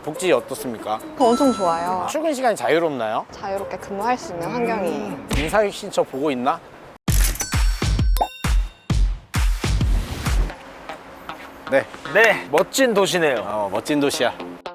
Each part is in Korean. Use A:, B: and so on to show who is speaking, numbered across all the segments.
A: 복지 어떻습니까?
B: 엄청 좋아요.
A: 출근 시간이 자유롭나요?
B: 자유롭게 근무할 수 있는 환경이에요.
A: 인사육 신청 보고 있나? 네,
C: 네, 멋진 도시네요.
A: 멋진 도시야.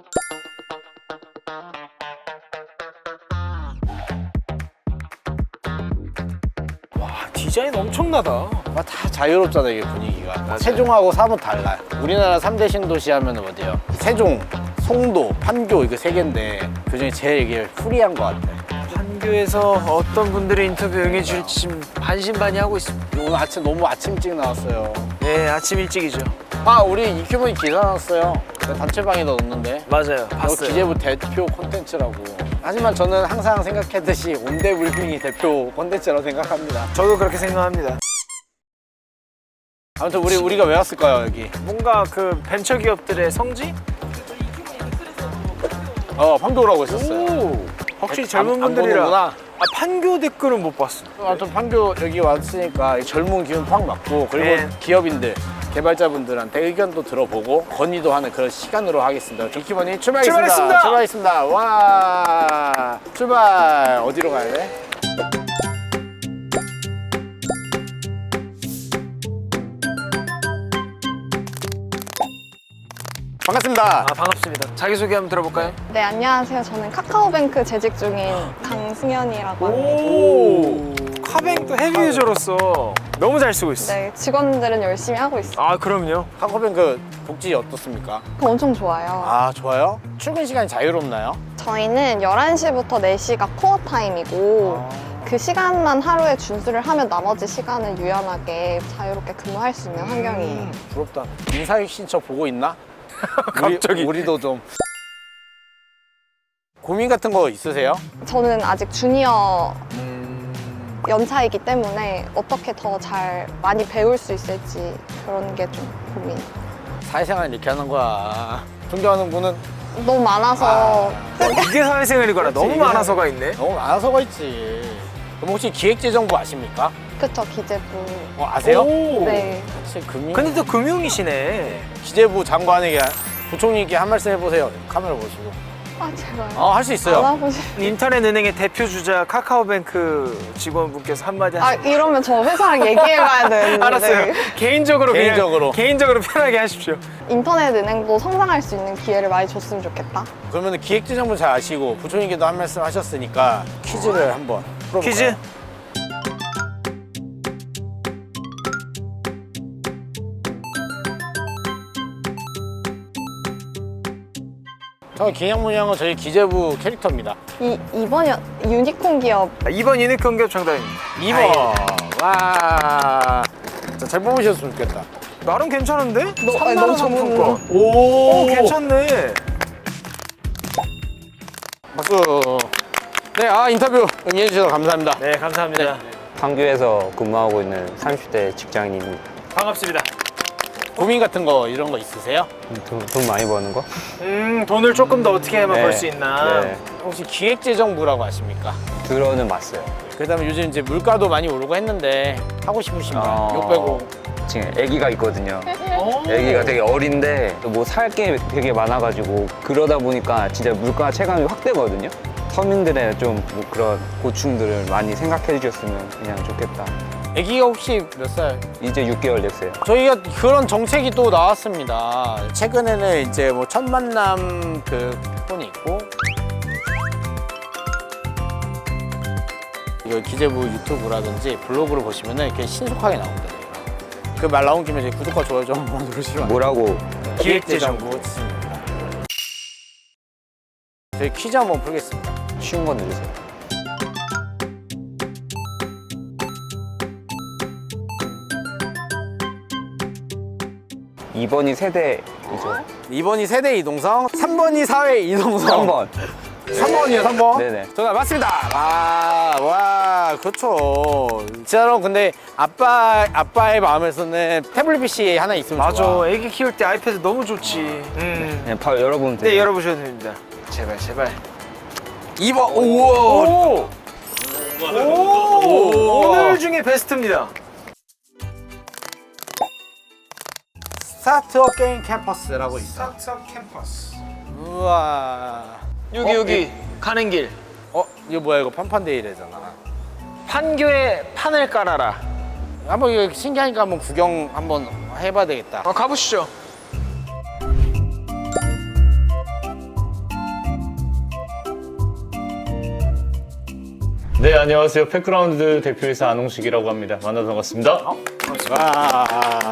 C: 와, 디자인 엄청나다.
A: 다 자유롭잖아 이게 분위기가. 세종하고 사뭇 달라요. 우리나라 3대 신도시 하면 어디요? 세종, 송도, 판교 이거 세 개인데 그중에 제일 이게 프리한 것 같아.
C: 판교에서 어떤 분들이 인터뷰 응해줄지 지금 반신반의하고 있습니다.
A: 오늘 아침 너무 아침 일찍 나왔어요.
C: 네, 아침 일찍이죠.
A: 우리 이큐브이 기사 났어요. 단체방에다 넣었는데.
C: 맞아요,
A: 이거
C: 봤어요.
A: 기재부 대표 콘텐츠라고. 하지만 저는 항상 생각했듯이 온대불빙이 대표 콘텐츠라고 생각합니다.
C: 저도 그렇게 생각합니다.
A: 아무튼 우리가 왜 왔을까요 여기?
C: 뭔가 그 벤처 기업들의 성지?
A: 판교라고 했었어요.
C: 오, 확실히 젊은
A: 안
C: 분들이라.
A: 보는구나.
C: 판교 댓글은 못 봤어.
A: 아무튼 판교 여기 왔으니까 이 젊은 기운 팍 맞고 그리고
C: 네.
A: 기업인들 개발자분들한테 의견도 들어보고 건의도 하는 그런 시간으로 하겠습니다. 조키버니 출발하겠습니다. 출발하겠습니다. 와 출발. 어디로 가야 돼? 반갑습니다.
C: 반갑습니다. 자기소개 한번 들어볼까요?
B: 네, 안녕하세요. 저는 카카오뱅크 재직 중인 강승현이라고 합니다.
C: 오, 카뱅도 헤비 유저로서 너무 잘 쓰고 있어.
B: 네, 직원들은 열심히 하고 있어요.
C: 아, 그럼요.
A: 카카오뱅크 복지 어떻습니까?
B: 엄청 좋아요.
A: 좋아요? 출근 시간이 자유롭나요?
B: 저희는 11시부터 4시가 코어 타임이고 그 시간만 하루에 준수를 하면 나머지 시간은 유연하게 자유롭게 근무할 수 있는 환경이에요.
A: 부럽다. 인사육 신청 보고 있나?
C: 갑자기.
A: 우리도 좀 고민 같은 거 있으세요?
B: 저는 아직 주니어 연차이기 때문에 어떻게 더 잘 많이 배울 수 있을지 그런 게 좀 고민.
A: 사회생활 이렇게 하는 거야. 존경하는 분은
B: 너무 많아서
C: 이게 사회생활이거나 너무 많아서가 있네.
A: 너무 많아서가 있지. 그럼 혹시 기획재정부 아십니까?
B: 그쵸, 기재부.
A: 아세요?
C: 오.
B: 네.
A: 사실 금융
C: 근데 또 금융이시네.
A: 기재부 장관에게 부총리께 한 말씀 해보세요. 카메라 보시고.
B: 제발.
A: 할 수 있어요.
B: 알아보시.
C: 인터넷 은행의 대표 주자 카카오뱅크 직원분께서 한마디 하시죠.
B: 이러면 저 회사랑 얘기해봐야 되는데.
C: 알았어요. 개인적으로 개인적으로 편하게 하십시오.
B: 인터넷 은행도 성장할 수 있는 기회를 많이 줬으면 좋겠다.
A: 그러면 기획재정부 잘 아시고 부총리께도 한 말씀 하셨으니까 퀴즈를 한번 풀어볼까요?
C: 퀴즈?
A: 기냥문양은 저희 기재부 캐릭터입니다.
B: 이번 유니콘 기업.
C: 2번 유니콘 기업 정답입니다.
A: 2번. 와. 잘 뽑으셨으면 좋겠다.
C: 나름 괜찮은데?
B: 너무
C: 상품권.
A: 오,
C: 괜찮네.
A: 박수. 네, 인터뷰 응해주셔서 감사합니다.
C: 네, 감사합니다.
D: 판교에서 근무하고 있는 30대 직장인입니다.
C: 반갑습니다.
A: 고민 같은 거 이런 거 있으세요?
D: 돈 많이 버는 거?
C: 돈을 조금 더 어떻게 하면
D: 네.
C: 벌 수 있나?
D: 네.
A: 혹시 기획재정부라고 아십니까?
D: 들어는 봤어요.
A: 그다음에 요즘 이제 물가도 많이 오르고 했는데 하고 싶으신 말 욕 빼고.
D: 지금 아기가 있거든요. 아기가 되게 어린데 뭐 살 게 되게 많아가지고 그러다 보니까 진짜 물가 체감이 확 되거든요. 서민들의 좀 뭐 그런 고충들을 많이 생각해 주셨으면 그냥 좋겠다.
A: 아기가 혹시 몇 살?
D: 이제 6개월 됐어요.
A: 저희가 그런 정책이 또 나왔습니다. 최근에는 이제 뭐 첫 만남 그 폰이 있고 이거 기재부 유튜브라든지 블로그를 보시면은 이렇게 신속하게 나옵니다. 그 말 나온 김에 이제 구독과 좋아요 좀 한번 누르시면
D: 뭐라고?
A: 기획재정부 있습니다. 저희 퀴즈 한번 풀겠습니다.
D: 쉬운 거 누르세요. (2번이) 세대이죠.
A: 2번이 세대 이동성, 3번이 사회 이동성.
D: 3번.
A: 3번이요, 3번?
D: 네네.
A: 정답 맞습니다. 와, 그렇죠. 진짜로 근데 아빠의 마음에서는 태블릿 PC 하나 있으면
C: 맞아.
A: 좋아.
C: 애기 키울 때 아이패드 너무 좋지.
D: 그냥 바로 열어보면 돼요.
C: 네, 열어보셔도 됩니다. 제발, 제발.
A: 2번, 우와.
C: 오늘 중에 베스트입니다.
A: 스타트업 게임 캠퍼스라고 있어.
C: 스타트업 캠퍼스.
A: 우와.
C: 여기 가는 길.
A: 이거 뭐야 이거 판판데이래잖아.
C: 판교에 판을 깔아라.
A: 한번 이거 신기하니까 한번 구경 한번 해봐야 되겠다.
C: 가보시죠.
E: 네, 안녕하세요. 팩그라운드 대표이사 안홍식이라고 합니다. 만나서 반갑습니다.
A: 와.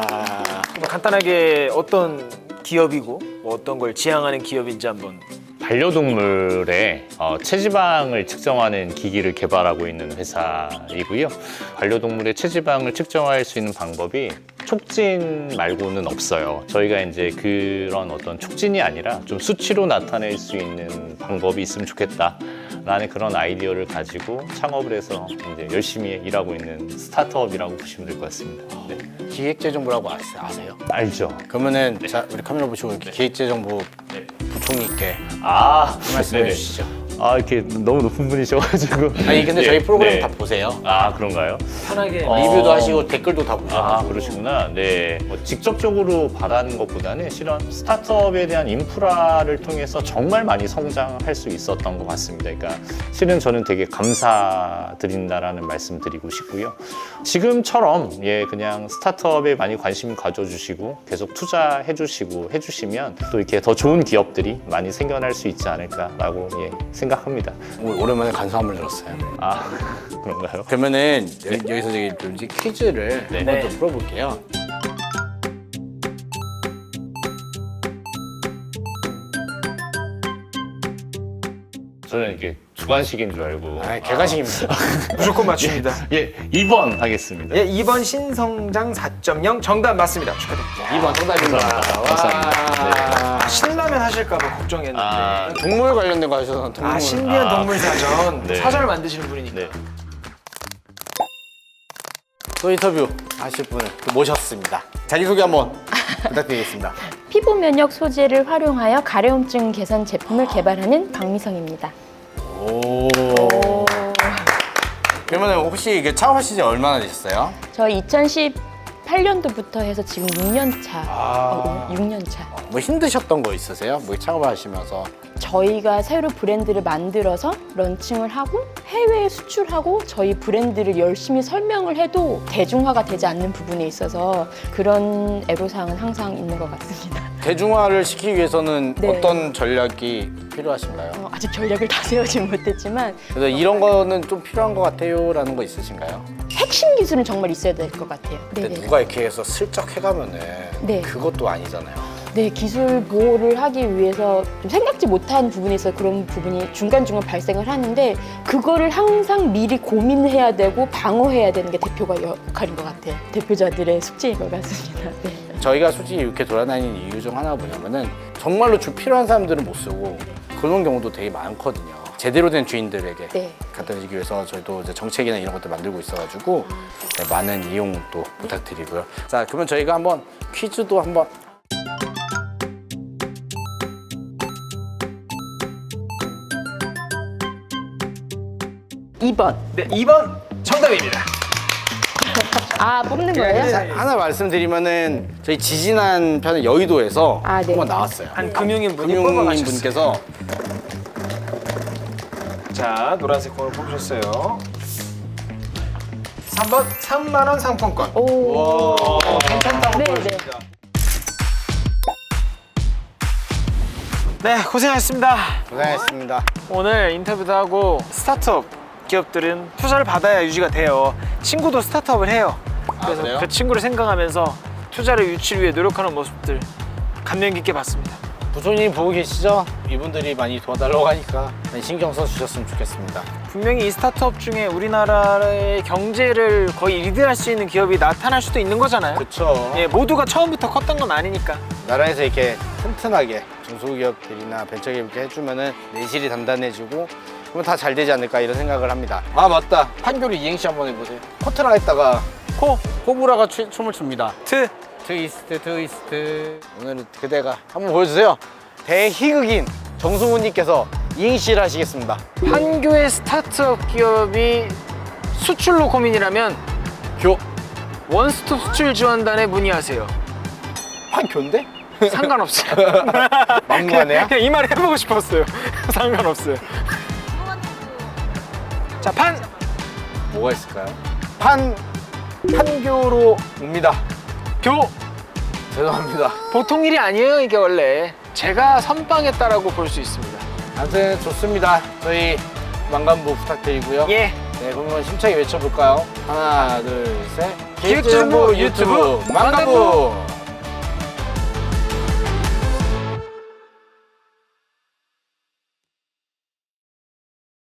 C: 간단하게 어떤 기업이고 뭐 어떤 걸 지향하는 기업인지 한번.
E: 반려동물의 체지방을 측정하는 기기를 개발하고 있는 회사이고요. 반려동물의 체지방을 측정할 수 있는 방법이 촉진 말고는 없어요. 저희가 이제 그런 어떤 촉진이 아니라 좀 수치로 나타낼 수 있는 방법이 있으면 좋겠다. 라는 그런 아이디어를 가지고 창업을 해서 이제 열심히 일하고 있는 스타트업이라고 보시면 될 것 같습니다. 네.
A: 기획재정부라고 아세요?
E: 알죠?
A: 그러면은 자 우리 카메라 보시고 이렇게 기획재정부 부총리께 말씀해
E: 네네.
A: 주시죠.
E: 이렇게 너무 높은 분이셔가지고.
A: 아니 근데
E: 네,
A: 저희 프로그램
E: 네.
A: 다 보세요.
E: 그런가요?
C: 편하게.
A: 리뷰도 하시고 댓글도 다 보셔가지고.
E: 그러시구나. 네. 직접적으로 바라는 것보다는 실은 스타트업에 대한 인프라를 통해서 정말 많이 성장할 수 있었던 것 같습니다. 그러니까 실은 저는 되게 감사드린다라는 말씀 드리고 싶고요. 지금처럼 그냥 스타트업에 많이 관심 가져주시고 계속 투자해 주시고 해주시면 또 이렇게 더 좋은 기업들이 많이 생겨날 수 있지 않을까라고 생각합니다.
A: 오랜만에 간소함을 들었어요.
E: 그런가요?
A: 그러면은 여기서 좀 이제 퀴즈를
E: 네.
A: 한번 좀 풀어볼게요.
E: 저는 이게 주관식인 줄 알고.
A: 객관식입니다.
C: 무조건 맞춥니다.
E: 2번 하겠습니다.
C: 2번 신성장 4.0 정답 맞습니다. 축하드립니다.
A: 2번 정답입니다.
E: 감사합니다.
C: 신라면 하실까봐 걱정했는데.
A: 동물 관련된 거 하셔서 동물.
C: 신비한 동물 사전.
E: 네.
C: 사전을 만드시는 분이니까.
E: 네.
A: 또 인터뷰 하실 분을 또 모셨습니다. 자기소개 한번 부탁드리겠습니다.
F: 피부 면역 소재를 활용하여 가려움증 개선 제품을 개발하는 박미성입니다.
A: 오. 그러면 혹시 이게 창업하신 지 얼마나 되셨어요?
F: 저 2018년도부터 해서 지금 6년 차. 6년 차.
A: 뭐 힘드셨던 거 있으세요? 뭐 창업을 하시면서?
F: 저희가 새로 브랜드를 만들어서 런칭을 하고 해외에 수출하고 저희 브랜드를 열심히 설명을 해도 대중화가 되지 않는 부분에 있어서 그런 애로사항은 항상 있는 것 같습니다.
A: 대중화를 시키기 위해서는
F: 네.
A: 어떤 전략이 필요하신가요?
F: 아직 전략을 다 세우지 못했지만
A: 그래서 이런 거는 좀 필요한 것 같아요 라는 거 있으신가요?
F: 핵심 기술은 정말 있어야 될 것 같아요.
A: 근데
F: 네네.
A: 누가 이렇게 해서 슬쩍 해가면은
F: 네.
A: 그것도 아니잖아요.
F: 네, 기술 보호를 하기 위해서 좀 생각지 못한 부분에 있어 그런 부분이 중간중간 발생을 하는데 그거를 항상 미리 고민해야 되고 방어해야 되는 게 대표가 역할인 것 같아요. 대표자들의 숙제인 것 같습니다. 네.
A: 저희가 솔직히 이렇게 돌아다니는 이유 중 하나가 뭐냐면은 정말로 필요한 사람들은 못 쓰고 그런 경우도 되게 많거든요. 제대로 된 주인들에게
F: 네.
A: 갖다 주기 위해서 저희도 이제 정책이나 이런 것들 만들고 있어가지고 많은 이용도 부탁드리고요. 자, 그러면 저희가 한번 퀴즈도 한번.
C: 네, 2번 정답입니다.
F: 뽑는 거예요?
A: 자, 하나 말씀드리면은 저희 지지난 편의 여의도에서
F: 네.
A: 한번 나왔어요.
C: 한 금융인 분이
A: 금융인
C: 뽑아가셨어요.
A: 분께서
C: 자, 노란색 공을 뽑으셨어요. 3번 3만 원 상품권.
F: 오.
C: 괜찮다고
F: 네,
C: 보여줍니다. 네, 고생하셨습니다.
A: 고생하셨습니다.
C: 오늘 인터뷰도 하고 스타트업 기업들은 투자를 받아야 유지가 돼요. 친구도 스타트업을 해요. 그래서
A: 그래요?
C: 그 친구를 생각하면서 투자를 유치를 위해 노력하는 모습들 감명 깊게 봤습니다.
A: 부총님 보고 계시죠? 이분들이 많이 도와달라고 하니까 많이 신경 써주셨으면 좋겠습니다.
C: 분명히 이 스타트업 중에 우리나라의 경제를 거의 리드할 수 있는 기업이 나타날 수도 있는 거잖아요.
A: 그렇죠.
C: 예, 모두가 처음부터 컸던 건 아니니까.
A: 나라에서 이렇게 튼튼하게 중소기업들이나 벤처기업이 해주면은 내실이 단단해지고 그러면 다 잘 되지 않을까 이런 생각을 합니다. 아 맞다. 판교로 이행시 한번 해보세요. 코트라 했다가 호불아가 춤을 춥니다. 트위스트 오늘은 그대가 한번 보여주세요. 대희극인 정승훈님께서 이행시를 하시겠습니다.
C: 판교의 스타트업 기업이 수출로 고민이라면
A: 교
C: 원스톱 수출 지원단에 문의하세요.
A: 판교인데?
C: 상관없어요.
A: 막무가내야?
C: 그냥 이 말 해보고 싶었어요. 상관없어요. 자, 판!
A: 뭐가 있을까요? 판교로 옵니다.
C: 교!
A: 죄송합니다.
C: 보통 일이 아니에요, 이게 원래. 제가 선빵했다라고 볼 수 있습니다.
A: 아무튼 좋습니다. 저희 망간부 부탁드리고요.
C: 예.
A: 네, 그러면 힘차게 외쳐볼까요? 하나, 둘, 셋.
C: 기획정보 유튜브 망간부!